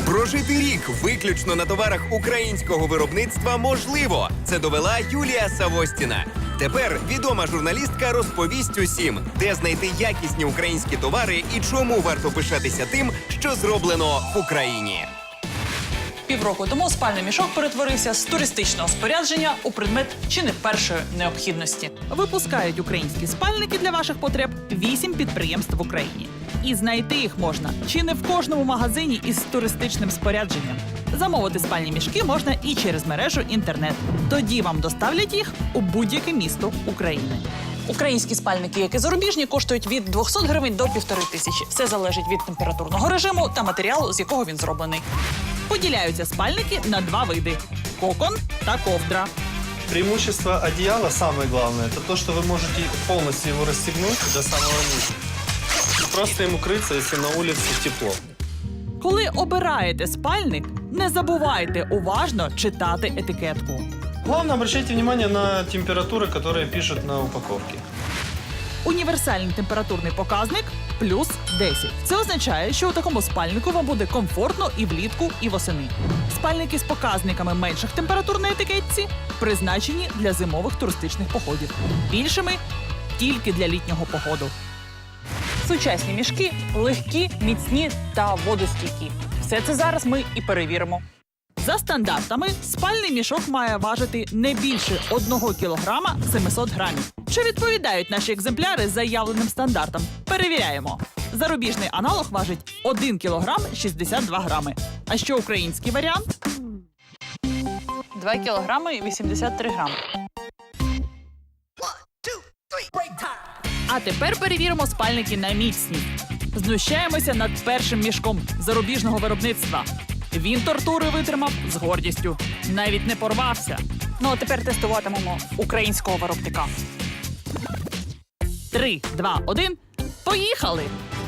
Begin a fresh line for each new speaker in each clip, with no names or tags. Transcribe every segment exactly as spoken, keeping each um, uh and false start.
Прожити рік виключно на товарах українського виробництва можливо. Це довела Юлія Савостіна. Тепер відома журналістка розповість усім, де знайти якісні українські товари і чому варто пишатися тим, що зроблено в Україні.
Півроку тому спальний мішок перетворився з туристичного спорядження у предмет чи не першої необхідності. Випускають українські спальники для ваших потреб вісім підприємств в Україні. І знайти їх можна чи не в кожному магазині із туристичним спорядженням. Замовити спальні мішки можна і через мережу інтернет. Тоді вам доставлять їх у будь-яке місто України. Українські спальники, як і зарубіжні, коштують від двохсот гривень до півтори тисячі. Все залежить від температурного режиму та матеріалу, з якого він зроблений. Поділяються спальники на два види – кокон та ковдра.
Преимущество одеяла, самое главное, это то, что вы можете полностью его расстегнуть до самого низа. И просто им укрыться, если на улице тепло.
Коли обираєте спальник, не забувайте уважно читати етикетку.
Главное, обращайте внимание на температуры, которые пишут на упаковке.
Універсальний температурний показник – плюс десять. Це означає, що у такому спальнику вам буде комфортно і влітку, і восени. Спальники з показниками менших температур на етикетці призначені для зимових туристичних походів. Більшими – тільки для літнього походу. Сучасні мішки легкі, міцні та водостійкі. Все це зараз ми і перевіримо. За стандартами, спальний мішок має важити не більше одного кілограма сімсот грамів. Чи відповідають наші екземпляри заявленим стандартам? Перевіряємо. Зарубіжний аналог важить один кілограм шістдесят два грами. А що український варіант? два кілограми вісімдесят три грами. А тепер перевіримо спальники на міцність. Знущаємося над першим мішком зарубіжного виробництва. Він тортури витримав з гордістю. Навіть не порвався. Ну, а тепер тестуватимемо українського виробника. Три, два, один. Поїхали!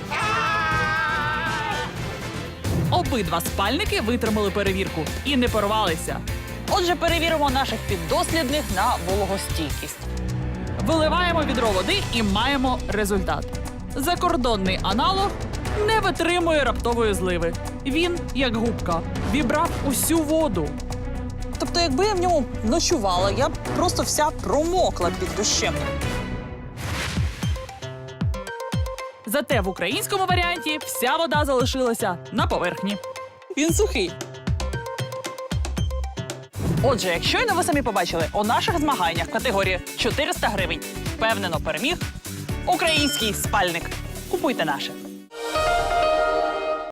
Обидва спальники витримали перевірку і не порвалися. Отже, перевіримо наших піддослідних на вологостійкість. Виливаємо відро води і маємо результат. Закордонний аналог не витримує раптової зливи. Він, як губка, вібрав усю воду. Тобто, якби я в ньому ночувала, я б просто вся промокла під дощем. Зате в українському варіанті вся вода залишилася на поверхні. Він сухий. Отже, як щойно ви самі побачили, у наших змаганнях в категорії чотириста гривень впевнено переміг український спальник. Купуйте наше.